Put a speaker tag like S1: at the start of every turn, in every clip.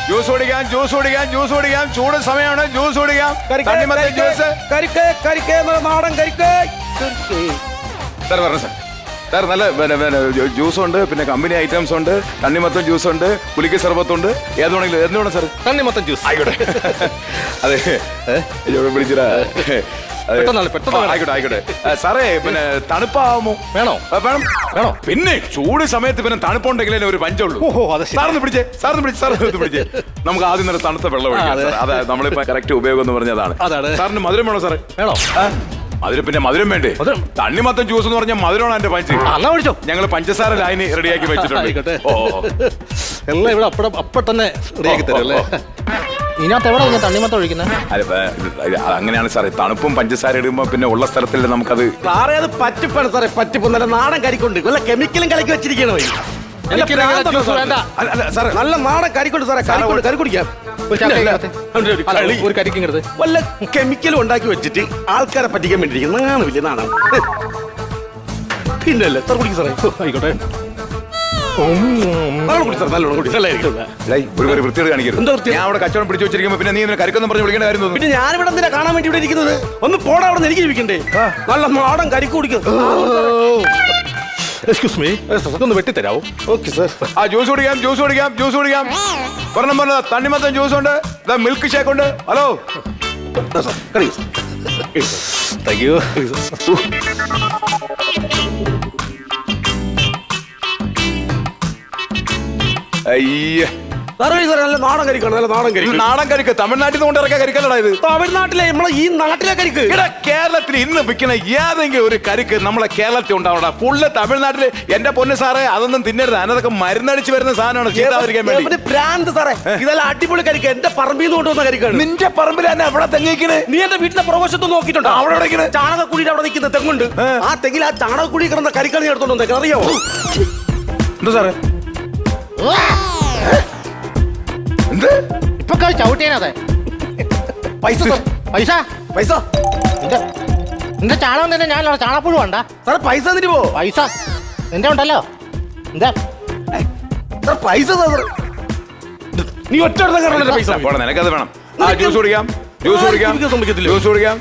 S1: Juice കുടിക്കാം, juice കുടിക്കാം, juice കുടിക്കാം. ചൂട് സമയമാണ്, ജ്യൂസ് കുടിക്കാം. തണ്ണിമത്തൻ ജ്യൂസ്.
S2: നാടൻ കരിക്ക്.
S1: സാർ പറഞ്ഞു സാർ. സാർ നല്ല ജ്യൂസ് ഉണ്ട്, പിന്നെ കമ്പനി ഐറ്റംസ് ഉണ്ട്, തണ്ണിമത്തൻ ജ്യൂസ് ഉണ്ട്, പുലിക്ക് സർബത്തുണ്ട്. ഏത് വേണമെങ്കിലും എന്ത് വേണം സാർ?
S2: തണ്ണിമത്തൻ ജ്യൂസ്
S1: ആയിക്കോട്ടെ. അതെ വിളിച്ചിട്ടാ. ആയിക്കോട്ടെ ആയിക്കോട്ടെ. സാറേ പിന്നെ തണുപ്പാവുമോ?
S2: വേണോ?
S1: വേണം വേണോ? പിന്നെ ചൂട് സമയത്ത് പിന്നെ തണുപ്പുണ്ടെങ്കിലേ ഒരു പഞ്ചുള്ളൂ. സാറിന് പിടിച്ചേ, സാറിന് പിടിച്ചേ, സാറിന് പിടിച്ചേ. നമുക്ക് ആദ്യം തന്നെ തണുത്ത വെള്ളം ഒഴിക്കാം. അതെ നമ്മളിപ്പോ കറക്റ്റ് ഉപയോഗം എന്ന് പറഞ്ഞതാണ്. സാറിന് മധുരം വേണോ സാറേ?
S2: വേണോ?
S1: അതിന് പിന്നെ മധുരം വേണ്ടേ? തണ്ണിമത്തൻ ജ്യൂസ് എന്ന് പറഞ്ഞാൽ മധുരമാണ് എന്റെ പഞ്ച്. ഞങ്ങൾ പഞ്ചസാര ലൈന് റെഡിയാക്കി വെച്ചിട്ടുണ്ട്.
S2: എല്ലാം ഇവിടെ അപ്പൊ തന്നെ റെഡിയാക്കി തരും അല്ലേ? ഇതിനകത്ത് എവിടെ തണ്ണിമത്തം ഒഴിക്കുന്നത്?
S1: അങ്ങനെയാണ് സാറേ. തണുപ്പും പഞ്ചസാര ഇടുമ്പോ പിന്നെ ഉള്ള സ്ഥലത്തില്ല നമുക്കത്.
S2: സാറേ അത് പറ്റിപ്പാണ് സാറേ, പറ്റിപ്പ്. നല്ല നാടൻ കരിക്കൊണ്ട് വല്ല കെമിക്കലും കലക്കി വെച്ചിരിക്കണോ? നല്ല നാടൻ കരിക്കൊണ്ട് സാറേ, കരി കുടിക്കാം. ഒരു കരിക്കുന്നത് വല്ല കെമിക്കലും ഉണ്ടാക്കി വെച്ചിട്ട് ആൾക്കാരെ പറ്റിക്കാൻ വേണ്ടിയിരിക്കും. നാണമില്ലേ? നാണം പിന്നല്ലേ സാർ കുടിക്കും സാറേ. ആയിക്കോട്ടെ.
S1: ഒരു വൃത്തിയോട് കാണിക്കരുത്. ഞാൻ അവിടെ കച്ചവടം പിടിച്ചു വെച്ചിരിക്കുമ്പോ പിന്നെ നീ കരിക്കൊന്നും പറഞ്ഞ് വിളിക്കേണ്ട കാര്യം തോന്നുന്നു.
S2: പിന്നെ ഞാനിവിടെ എന്തിനാ കാണാൻ വേണ്ടി ഇവിടെ ഇരിക്കുന്നത്? ഒന്ന് പോടാ അവിടെ നിന്ന്, എനിക്ക് ജീവിക്കണ്ടേ? നല്ല നാടൻ കരിക്ക് കുടിക്കും. എക്സ്ക്യൂസ് മീ, ഒന്ന് വെട്ടിത്തരാവോ? Okay sir.
S1: ആ ജ്യൂസ് കുടിക്കാം, ജ്യൂസ് കുടിക്കാം, ജ്യൂസ് കുടിക്കാം. പറഞ്ഞ തണ്ണിമത്തൻ ജ്യൂസ് ഉണ്ട്, മിൽക്ക് ഷേക്ക് ഉണ്ട്. Hello
S2: thank you.
S1: അയ്യ
S2: നല്ല നാടൻ കരിക്കാണ്, നല്ല നാടൻ കരിക്ക്.
S1: നാടൻ കരിക്ക് തമിഴ്നാട്ടിൽ നിന്ന് കൊണ്ടിറക്കിയ കരിക്കല്ലടാ ഇത്.
S2: തമിഴ്നാട്ടിലെ നമ്മളെ ഈ നാട്ടിലെ കരിക്ക്.
S1: കേരളത്തിൽ ഇന്ന് വിൽക്കുന്ന ഏതെങ്കിലും ഒരു കരിക്ക് നമ്മളെ കേരളത്തിൽ ഉണ്ടാവണം. ഫുള്ള് തമിഴ്നാട്ടില്. എന്റെ പൊന്ന് സാറേ, അതൊന്നും തിന്നരുത്. അതിനൊക്കെ മരുന്നടിച്ച് വരുന്ന സാധനമാണ്, ചീത്താതിരിക്കാൻ വേണ്ടി.
S2: ഭ്രാന്ത് സാറേ, ഇതെല്ലാം അടിപൊളി കരിക്ക്. എന്റെ പറമ്പിൽ നിന്ന് കൊണ്ടുവന്ന കരിക്കാണ്.
S1: നിന്റെ പറമ്പിൽ തന്നെ അവിടെ തെങ്ങിക്കണ്.
S2: നീ എന്റെ വീട്ടിലെ പ്രവേശത്ത് നോക്കിയിട്ടുണ്ടോ? അവിടെ ചാണകക്കുഴിയുടെ അവിടെ നിൽക്കുന്ന തെങ്ങുണ്ട്. ആ തെങ്ങിൽ ആ ചാണകക്കുഴി കിടന്ന കരിക്കാണ് നീ എടുത്തോണ്ട് വന്നേക്കുന്നത്, അറിയാമോ?
S1: എന്താ സാറേ?
S3: ഇപ്പൊ ചവിട്ടിയാനതെ
S2: പൈസ
S3: പൈസ
S2: പൈസ
S3: നിന്റെ ചാണകം തന്നെ ഞാൻ ചാണകപ്പുഴ വേണ്ട
S2: സാറേ. പൈസ തന്നിട്ട് പോ.
S3: പൈസ നിന്റെ ഉണ്ടല്ലോ. എന്താ
S2: പൈസ നീ ഒറ്റ പൈസ
S1: നിനക്കത് വേണം. ആ ജ്യൂസ് കുടിക്കാം, ജ്യൂസ് കുടിക്കാം, ജ്യൂസ് കുടിക്കാം.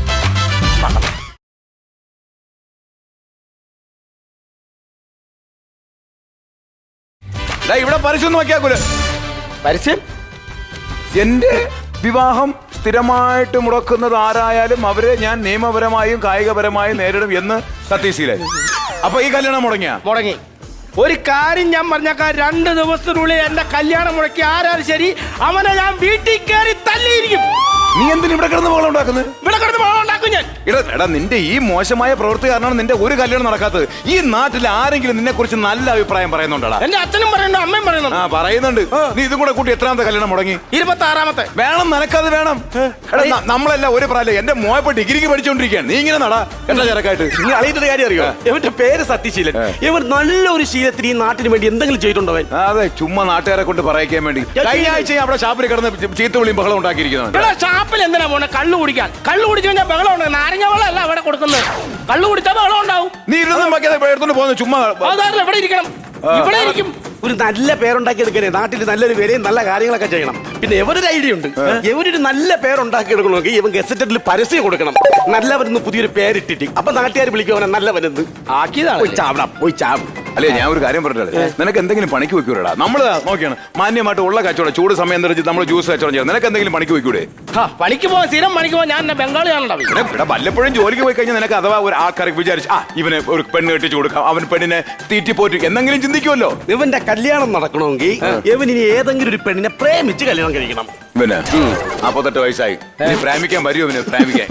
S1: ഇവിടെ പരസ്യം നോക്കിയാക്കൂല.
S2: പരസ്യം?
S1: എന്റെ വിവാഹം സ്ഥിരമായിട്ട് മുടക്കുന്നത് ആരായാലും അവരെ ഞാൻ നിയമപരമായും കായികപരമായും നേരിടും എന്ന് സത്യശീലൻ. അപ്പൊ ഈ കല്യാണം
S2: മുടങ്ങി. ഒരു കാര്യം ഞാൻ പറഞ്ഞേക്കാം, 2 ദിവസത്തിനുള്ളിൽ എന്റെ കല്യാണം മുടക്കി ആരാലും ശരി, അവനെ ഞാൻ വീട്ടിൽ കയറി തല്ലിയിരിക്കും.
S1: നീ എന്തിനാ ഇവിടെ കിടന്ന് ബഹളം ഉണ്ടാക്കുന്നത്?
S2: ഇവിടെ കിടന്ന് ബഹളം ഉണ്ടാക്കും ഞാൻ.
S1: എടാ നിന്റെ ഈ മോശമായ പ്രവൃത്തി കാരണമാണ് നിന്റെ ഒരു കല്യാണം നടക്കാത്തത്. ഈ നാട്ടിൽ ആരെങ്കിലും നിന്നെ കുറിച്ച് നല്ല അഭിപ്രായം പറയുന്നുണ്ടോടാ?
S2: എന്റെ അച്ഛനും പറയുന്നുണ്ട്, അമ്മയും പറയുന്നുണ്ട്.
S1: ആ പറയുന്നുണ്ട്. നീ ഇതും കൂടെ കൂട്ടി എത്രാമത്തെ കല്യാണം മുടങ്ങി?
S2: 26ാമത്തെ.
S1: വേണം, നിനക്കത് വേണം. നമ്മളെല്ലാം ഒരു പ്രായം. എന്റെ മോയപ്പോ ഡിഗ്രിക്ക് പഠിച്ചോണ്ടിരിക്കുകയാണ്. നീ ഇങ്ങനെ നടാ എന്താ ചെറുക്കായിട്ട്?
S2: നീ അറിയുന്ന കാര്യം അറിയോ? ഇവന്റെ പേര് സത്യശീലൻ. ഇവർ നല്ലൊരു ശീലത്തിന് ഈ നാട്ടിന് വേണ്ടി എന്തെങ്കിലും ചെയ്തിട്ടുണ്ടോ?
S1: അതെ, ചുമ്മാ നാട്ടുകാരെ കൊണ്ട് പറയിക്കാൻ വേണ്ടി. കഴിഞ്ഞ ആഴ്ച അവിടെ ഷാപ്പിൽ കിടന്ന് ചീത്ത വിളിയും ബഹളം ഉണ്ടാക്കിയിരിക്കുന്നത്.
S2: ഷാപ്പിൽ എന്തിനാ പോണെ? കള്ളു കുടിക്കാൻ. കള്ളു കുടിച്ചു കഴിഞ്ഞാൽ ബഹളം ഉണ്ട്. നാരങ്ങ വെള്ളം അല്ല അവിടെ കൊടുക്കുന്നത്. കള്ളു കുടിച്ചാൽ ബഹളം ഉണ്ടാവും.
S1: നീ ഇരുന്നും എടുത്തോണ്ട് പോകുന്നു ചുമ്മാ.
S2: ഇവിടെ ഇരിക്കണം, ഇവിടെ ഇരിക്കും. ഒരു നല്ല പേരുണ്ടാക്കി എടുക്കണേ. നാട്ടിൽ നല്ലൊരു വിലയും നല്ല കാര്യങ്ങളൊക്കെ ചെയ്യണം. പിന്നെ എവരൊരു ഐഡിയ ഉണ്ട്. എവരൊരു നല്ല പേരുണ്ടാക്കി എടുക്കണമെങ്കിൽ ഇവൻ ഗസറ്റഡിൽ പരസ്യം കൊടുക്കണം. നല്ലവരെന്ന് പുതിയൊരു പേരിട്ടിട്ട് അപ്പൊ നാട്ടുകാർ വിളിക്കുവാനെ നല്ലവരെന്ന് ആക്കിയതാണ്. പോയി ചാവും.
S1: അല്ലേ, ഞാൻ ഒരു കാര്യം പറഞ്ഞില്ലേ, നിനക്ക് എന്തെങ്കിലും പണിക്ക് വെക്കൂടാ? നമ്മള് നോക്കിയാണ് മാന്യമായിട്ട് ഉള്ള കച്ചവടം. ചൂട് സമയം തെറിച്ച് നമ്മൾ ജ്യൂസ് കച്ചവടം ചെയ്യാം. നിനക്ക് എന്തെങ്കിലും പണിക്ക് വെക്കൂടെ?
S2: പണിക്ക് പോവാൻ സ്ഥിരം പണിക്ക് പോവാൻ ഞാൻ ബംഗാളിയാണുണ്ടാവും.
S1: ഇവിടെ വല്ലപ്പോഴും ജോലിക്ക് പോയി കഴിഞ്ഞാൽ നിനക്ക് അഥവാ ഒരു ആൾക്കാർക്ക് വിചാരിച്ചു ഇവന് ഒരു പെണ്ണ് കെട്ടിച്ചു കൊടുക്കാം, അവൻ പെണ്ണിനെ തീറ്റി പോറ്റി എന്തെങ്കിലും ചിന്തിക്കുമല്ലോ.
S2: ഇവന്റെ കല്യാണം നടക്കണമെങ്കിൽ ഇവൻ ഇനി ഏതെങ്കിലും ഒരു പെണ്ണിനെ പ്രേമിച്ച് കല്യാണം കഴിക്കണം.
S1: ഇവന് 48 വയസ്സായി. പ്രേമിക്കാൻ വരുമോ? ഇവന് പ്രേമിക്കാൻ?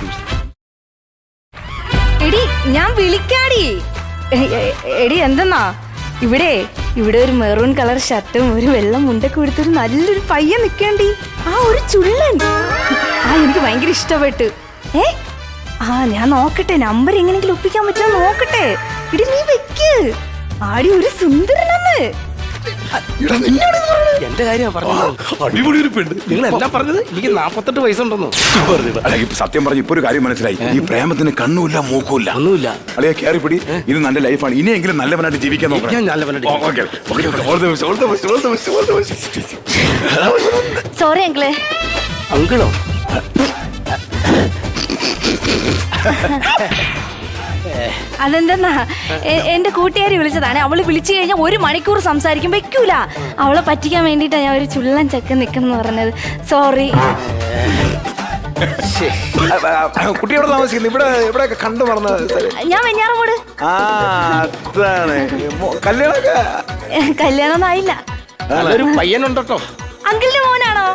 S4: എടി ഞാൻ വിളിക്കാടി. എടി എന്തെന്നാ, ഇവിടെ ഒരു മെറൂൺ കളർ ഷർട്ടും ഒരു വെള്ളം മുണ്ടൊക്കെ കൊടുത്തൊരു നല്ലൊരു പയ്യൻ നിൽക്കേണ്ടി. ആ ഒരു ചുള്ളൻ. എനിക്ക് ഭയങ്കര ഇഷ്ടപ്പെട്ടു. ഞാൻ നോക്കട്ടെ, നമ്പർ എങ്ങനെയെങ്കിലും ഒപ്പിക്കാൻ പറ്റുമോ നോക്കട്ടെ. ഇടി നീ വെക്ക്. ആടി ഒരു സുന്ദരനെന്ന്.
S2: എന്റെ കാര്യം പറഞ്ഞത്.
S1: അടിപൊളി ഒരു പെണ്ണ്.
S2: നിങ്ങൾ എല്ലാം പറഞ്ഞത് എനിക്ക് 48 വയസ്സുണ്ടെന്നോ?
S1: അല്ല, ഇപ്പൊ സത്യം പറഞ്ഞ ഇപ്പൊ ഒരു കാര്യം മനസ്സിലായി. ഈ പ്രേമത്തിന് കണ്ണുമില്ല മൂക്കുമില്ല.
S2: ഒന്നുമില്ല.
S1: അളിയ കയറിപ്പിടി, ഇത് നല്ല ലൈഫാണ്. ഇനിയെങ്കിലും നല്ലവനായിട്ട് ജീവിക്കാൻ നോക്കണം.
S2: ഞാൻ നല്ലവനായിട്ട്
S4: സോറി അങ്കിളെ.
S2: അങ്കിളോ?
S4: അതെന്തെന്നാ എന്റെ കൂട്ടുകാരി വിളിച്ചതാണ്. അവള് വിളിച്ചു കഴിഞ്ഞാൽ 1 മണിക്കൂർ സംസാരിക്കും, വെക്കൂല. അവളെ പറ്റിക്കാൻ വേണ്ടിട്ടാ ഞാൻ ഒരു ചുള്ളൻ ചെക്കൻ നിക്കെന്ന് പറഞ്ഞത്. സോറി.
S1: കുട്ടി എവിടെ താമസിക്കുന്നത്? ഇവിടെ കണ്ടു മറന്ന
S4: ഞാൻ വെഞ്ഞാറമൂട്.
S1: അതാണ് കല്യാണമൊക്കെ.
S4: കല്യാണമൊന്നും ആയില്ല.
S2: നല്ലൊരു പയ്യനുണ്ടോ?
S4: അങ്കിളിന്റെ മോനാണോ?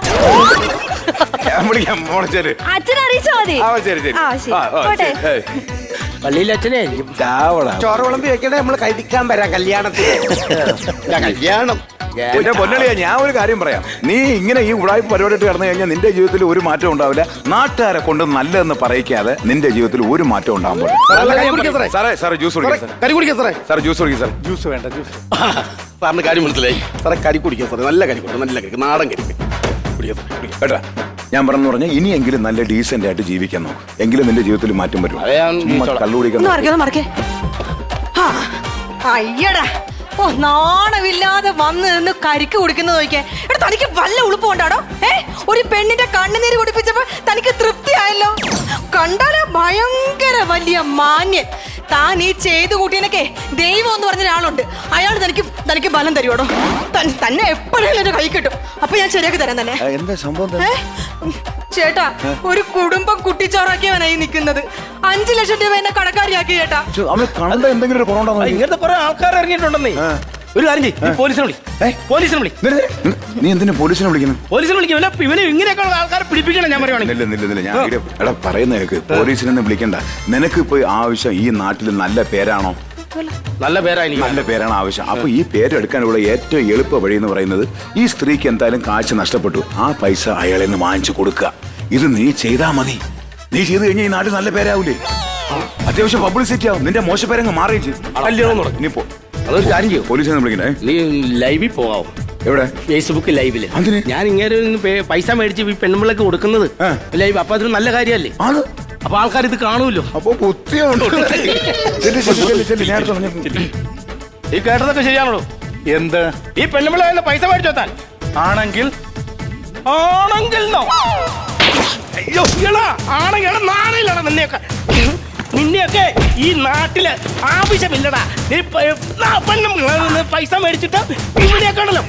S4: അച്ഛനെ അറിയിച്ചാ മതി. പോട്ടെ.
S2: പള്ളിയിലെ അച്ഛനായിരിക്കും.
S5: ചോറ് വിളമ്പി വെക്കണേ, നമ്മള് കഴിക്കാൻ വരാം കല്യാണത്തിന്. കല്യാണം
S1: പൊന്നളിയാ, ഞാൻ ഒരു കാര്യം പറയാം. നീ ഇങ്ങനെ ഈ ഉടായ്പ പരിപാടിയിട്ട് കിടന്നു കഴിഞ്ഞാൽ നിന്റെ ജീവിതത്തിൽ ഒരു മാറ്റം ഉണ്ടാവില്ല. നാട്ടുകാരെ കൊണ്ട് നല്ലതെന്ന് പറയിക്കാതെ നിന്റെ ജീവിതത്തിൽ ഒരു മാറ്റം ഉണ്ടാകുമ്പോൾ സാറേ ജ്യൂസ് കുടിക്കാം.
S5: കരി കുടിക്കാം സാറേ.
S1: സാറേ ജ്യൂസ് കുടിക്കാം. സാർ
S5: ജ്യൂസ് വേണ്ട, ജ്യൂസ്. സാറിന് കാര്യം മനസ്സിലായി സാറേ. കരി കുടിക്കാം സാറേ, നല്ല കരി കുടിക്കാം, നല്ല കരി, നാടൻ കരി കുടിക്കാം
S1: കേട്ടാ. ഞാൻ പറഞ്ഞു പറഞ്ഞാൽ ഇനിയെങ്കിലും നല്ല ഡീസന്റ് ആയിട്ട് ജീവിക്കാൻ നോക്കും, എങ്കിലും നിന്റെ ജീവിതത്തിൽ മാറ്റം വരും. കള്ളു കുടിക്കാൻ
S6: അയ്യടാ, ഓ നാണമില്ലാതെ വന്ന് നിന്ന് കരിക്ക് കുടിക്കുന്നത് നോക്കിയേ. എടാ, തനിക്ക് വല്ല ഉളുപ്പുണ്ടാടോ? ഒരു പെണ്ണിന്റെ കണ്ണുനീര് കുടിപ്പിച്ചപ്പോ തനിക്ക് തൃപ്തിയായല്ലോ. കണ്ടാലോ ഭയങ്കര വലിയ മാന്യൻ. താൻ ഈ ചെയ്തു കൂട്ടിയനൊക്കെ ദൈവം എന്ന് പറഞ്ഞ ഒരാളുണ്ട്. അയാൾ തനിക്ക് ബലം തരുവോടോ? തന്നെ എപ്പോഴും എന്റെ കൈ കിട്ടും. അപ്പൊ ഞാൻ ശരിയാക്കി തരാൻ തന്നെ.
S1: എന്താ സംഭവം?
S6: ചേട്ടാ, ഒരു കുടുംബം കുട്ടിച്ചോറാക്കിയവനായി നിൽക്കുന്നത്. 5 ലക്ഷം രൂപ എന്നെ കടക്കാരിയാക്കി ചേട്ടാ.
S1: എന്തെങ്കിലും
S2: ഇങ്ങനത്തെ കുറെ ആൾക്കാർ ഇറങ്ങിയിട്ടുണ്ടെന്നേ. ഒരു കാര്യം ചെയ്യ്, പോലീസിനെ വിളി. പോലീസിനെ വിളി.
S1: നീ എന്തിനാ പോലീസിനെ വിളിക്കുന്നു?
S2: പോലീസിനെ വിളിക്കും. ഇവന് ഇങ്ങനെയൊക്കെയുള്ള ആൾക്കാരെ പിടിപ്പിക്കണം. ഞാൻ പറയുവാണെങ്കിൽ
S1: ഞാൻ എടാ പറയുന്ന കേക്ക്. പോലീസിനെ വിളിക്കണ്ട. നിനക്ക് ഇപ്പൊ ആവശ്യം ഈ നാട്ടിൽ നല്ല പേരാണോ?
S2: നല്ല പേരായി,
S1: നല്ല പേരാണ് ആവശ്യം. അപ്പൊ ഈ പേരെടുക്കാനുള്ള ഏറ്റവും എളുപ്പ വഴി എന്ന് പറയുന്നത്, ഈ സ്ത്രീക്ക് എന്തായാലും കാശ് നഷ്ടപ്പെട്ടു, ആ പൈസ അയാളെ നിന്ന് വാങ്ങിച്ചു കൊടുക്കുക. ഇത് നീ ചെയ്താ മതി. നീ ചെയ്ത് കഴിഞ്ഞാൽ ഈ നാട്ടിൽ നല്ല പേരാവൂലേ? അത്യാവശ്യം പബ്ലിസിറ്റി ആവും. നിന്റെ മോശപ്പേരങ്ങ് മാറിയും ചെയ്യും. ഇനി പോ.
S2: അതൊരു കാര്യം ചെയ്യും.
S1: പോലീസിനെ വിളിക്കണേ.
S2: നീ ലൈവിൽ പോവാം.
S1: എവിടെ?
S2: ഫേസ്ബുക്ക് ലൈവില്. ഞാൻ ഇങ്ങനെ പൈസ മേടിച്ച് ഈ പെണ്ണുമ്പിള്ളക്ക് കൊടുക്കുന്നത് ലൈവ്. അപ്പൊ അതൊരു നല്ല കാര്യമല്ലേ? അപ്പൊ ആൾക്കാർ ഇത് കാണുമല്ലോ.
S1: അപ്പൊ
S2: ഈ കേട്ടതൊക്കെ ശരിയാണല്ലോ?
S5: എന്ത്?
S2: ഈ പെണ്ണുമ്പിള്ള പൈസ മേടിച്ചു വെത്താൻ ആണെങ്കിൽ നിന്നെയൊക്കെ ഈ നാട്ടില് ആവശ്യമില്ലടാ. നീ പെണ്ണുമ്പിള്ള പൈസ മേടിച്ചിട്ട് ഇവിടെയൊക്കെ ആണല്ലോ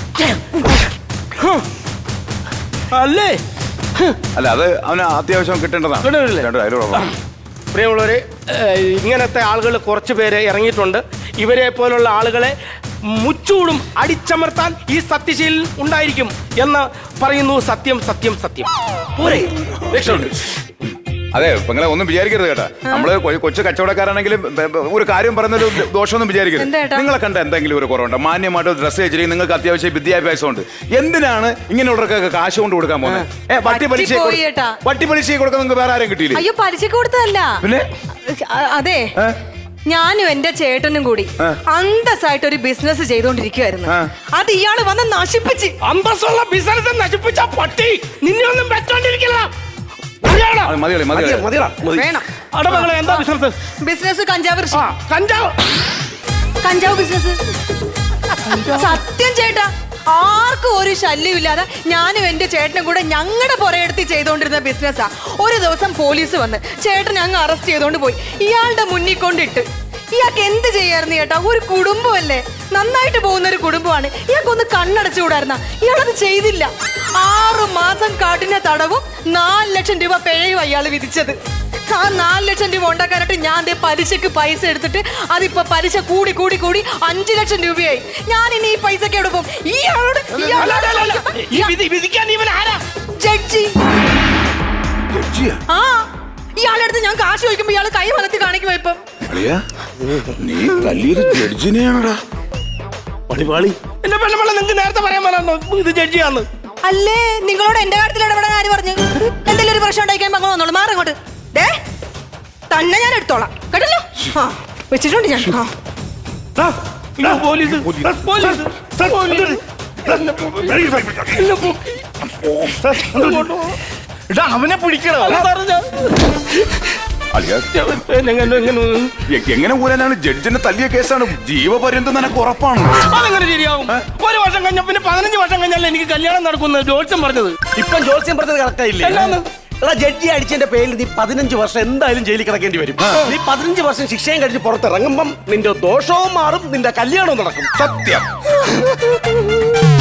S2: അല്ലേ?
S1: അല്ല, അത് അവന് അത്യാവശ്യം കിട്ടേണ്ടതാണ്.
S2: പ്രിയമുള്ളവര്, ഇങ്ങനത്തെ ആളുകൾ കുറച്ച് പേര് ഇറങ്ങിയിട്ടുണ്ട്. ഇവരെ പോലുള്ള ആളുകളെ മുച്ചൂടും അടിച്ചമർത്താൻ ഈ സത്യശീൽ ഉണ്ടായിരിക്കും എന്ന് പറയുന്നു. സത്യം സത്യം സത്യം. പോരെ, രക്ഷയുണ്ട്.
S1: അതെ, പെങ്ങളെ ഒന്നും വിചാരിക്കരുത് കേട്ടാ. നമ്മള് കൊച്ചു കച്ചവടക്കാരാണെങ്കിലും ഒരു കാര്യം പറയുന്നൊരു ദോഷമൊന്നും വിചാരിക്കരുത്. നിങ്ങളെ കണ്ട എന്തെങ്കിലും ഒരു കുറവുണ്ട്? മാന്യമായിട്ട് ഡ്രസ്സ് വെച്ചിരിക്കും, നിങ്ങൾക്ക് അത്യാവശ്യം വിദ്യാഭ്യാസം ഉണ്ട്. എന്തിനാണ് ഇങ്ങനെയുള്ളവർക്കൊക്കെ കാശ് കൊണ്ട് കൊടുക്കാൻ പോകുന്നത്? വട്ടി പലിശ കൊടുക്കാൻ നിങ്ങൾക്ക് വേറെ ആരും കിട്ടിയില്ല?
S6: അയ്യോ, പലിശക്ക് കൊടുത്തതല്ല.
S1: പിന്നെ
S6: അതെ, ഞാനും എന്റെ ചേട്ടനും കൂടി അന്തസ്സായിട്ട് ഒരു ബിസിനസ് ചെയ്തോണ്ടിരിക്കുവായിരുന്നു. അത് ഇയാള് വന്ന് നശിപ്പിച്ച്.
S2: അന്തസ്സുള്ള ബിസിനസ് നശിപ്പിച്ച പട്ടി നിന്നെ ഒന്നും വെച്ചോണ്ടിരിക്കില്ല. എന്താ ബിസിനസ്?
S6: ബിസിനസ് കഞ്ചാവ് കൃഷി.
S2: കഞ്ചാവ്
S6: ബിസിനസ്. സത്യം ചേട്ടാ, ആർക്കും ഒരു ശല്യമില്ലാതെ ഞാനും എന്റെ ചേട്ടനും കൂടെ ഞങ്ങളുടെ പുറയെടുത്ത് ചെയ്തോണ്ടിരുന്ന ബിസിനസ്സാ. ഒരു ദിവസം പോലീസ് വന്ന് ചേട്ടൻ അങ്ങ് അറസ്റ്റ് ചെയ്തോണ്ട് പോയി. ഇയാളുടെ മുന്നിൽ കൊണ്ടിട്ട്. ഇയാൾക്ക് എന്ത് ചെയ്യായിരുന്നു ചേട്ടാ? ഒരു കുടുംബമല്ലേ, നന്നായിട്ട് പോകുന്ന ഒരു കുടുംബമാണ്. ഇയാൾക്കൊന്ന് കണ്ണടച്ചുകൂടായിരുന്ന? ഇയാളത് ചെയ്തില്ല. 6 മാസം കഠിന തടവും 4 ലക്ഷം രൂപ പിഴയും അയാൾ വിധിച്ചത്. ആ 4 ലക്ഷം രൂപ ഉണ്ടാക്കാനായിട്ട് ഞാൻ പലിശക്ക് പൈസ എടുത്തിട്ട് അതിപ്പോ പലിശ കൂടി കൂടി കൂടി 5 ലക്ഷം രൂപയായി. ഞാൻ ഇനി ഈ പൈസക്ക് എവിടെ പോകും? ജഡ്ജി. ആ, ഇയാളെടുത്ത് ഞാൻ കാശ് ചോദിക്കുമ്പോ ഇയാള് കൈ വലത്തി കാണിക്കുമ്പോ ഇപ്പം
S1: നീ തല്ലിയത് ജഡ്ജിനെയാണോടാ?
S2: പണിപാളി. എന്റെ പെണ്ണുമ്പള നിങ്ങൾക്ക് നേരത്തെ പറയാൻ പറ്റാ ഇത് ജഡ്ജിയാന്ന്?
S6: അല്ലേ, നിങ്ങളോട് എന്റെ കാര്യത്തിൽ ഇടപെടാൻ ആര് പറഞ്ഞു? എന്തെങ്കിലും ഒരു പ്രശ്നം ഉണ്ടായിക്കാൻ പങ്ക് വന്നോളൂ. മാറങ്ങോട്ട്. തന്നെ ഞാൻ എടുത്തോളാം കേട്ടല്ലോ. വെച്ചിട്ടുണ്ട് ഞാൻ.
S2: പോലീസ് പോലീസ്
S3: അവനെ പിടിക്കണം
S1: എങ്ങനെ ഊരാനാണ്? ജഡ്ജിനെ തല്ലിയ കേസാണ്, ജീവപര്യന്തം നിനക്ക് ഉറപ്പാണ്.
S2: അതെങ്ങനെ ശരിയാവും? ഒരു വർഷം കഴിഞ്ഞ പിന്നെ 15 വർഷം കഴിഞ്ഞാൽ എനിക്ക് കല്യാണം നടക്കുന്നത് ജോത്സ്യം പറഞ്ഞത്.
S5: ഇപ്പം ജോത്സ്യം പറഞ്ഞത് കറക്റ്റായില്ലേ?
S2: എന്നാന്ന്?
S5: എടാ, ജഡ്ജി അടിച്ചതിന്റെ പേരിൽ നീ 15 വർഷം എന്തായാലും ജയിലിൽ കിടക്കേണ്ടി വരും. നീ 15 വർഷം ശിക്ഷയും കഴിച്ച് പുറത്തിറങ്ങുമ്പം നിന്റെ ദോഷവും മാറും, നിന്റെ കല്യാണവും നടക്കും.
S1: സത്യം.